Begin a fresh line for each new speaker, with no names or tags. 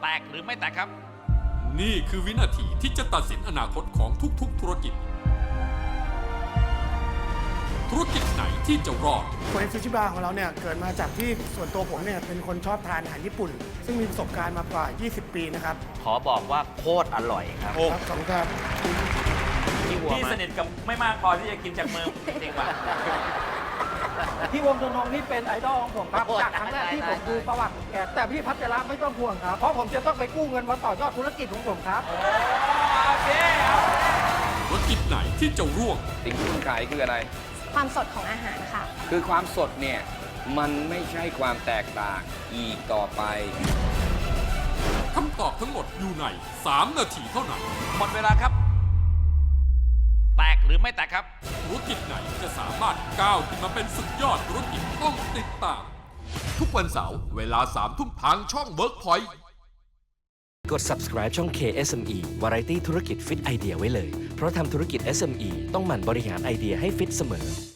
แตกหรือไม่แตกครับ
นี่คือวินาทีที่จะตัดสินอนาคตของทุกๆธุรกิจไหนที่จะรอด
โคเอซูชิบาของเราเนี่ยเกิดมาจากที่ส่วนตัวผมเนี่ยเป็นคนชอบทานอาหารญี่ปุ่น ซึ่งมีประสบการณ์มากว่า 20 ปีนะครับ
ขอบอกว่าโคตรอร่อยครับ
ครับขอบคุณครับ
พี่สนิทกับไม่มากพอที่จะกินจากมือจริงป่ะ
พี่วงธงนี่เป็นไอดอลของผมครับจากครั้งแรกที่ผมดูประวัติของแกแต่พี่พัชระไม่ต้องห่วงครับเพราะผมจะต้องไปกู้เงินมาต่อยอดธุรกิจของผมครับ
ธุรกิจไหนที่จะร่วง
สิ่งที่คุณขายคืออะไร
ความสดของอาหารค่ะ
คือความสดเนี่ย มันไม่ใช่ความแตกต่างอีกต่อไป
คำตอบทั้งหมดอยู่ใน 3 นาทีเท่านั้น
หมดเวลาครับ แตกหรือไม่แตกครับ
ธุรกิจไหนจะสามารถก้าวขึ้นมาเป็นสุดยอดธุรกิจต้องติดตาม ทุกวันเสาร์เวลา 3 ทุ่มทางช่อง Workpoint
กด subscribe ช่อง KSME Variety ธุรกิจฟิตไอเดียไว้เลย เพราะทำธุรกิจ SME ต้องหมั่นบริหารไอเดียให้ฟิตเสมอ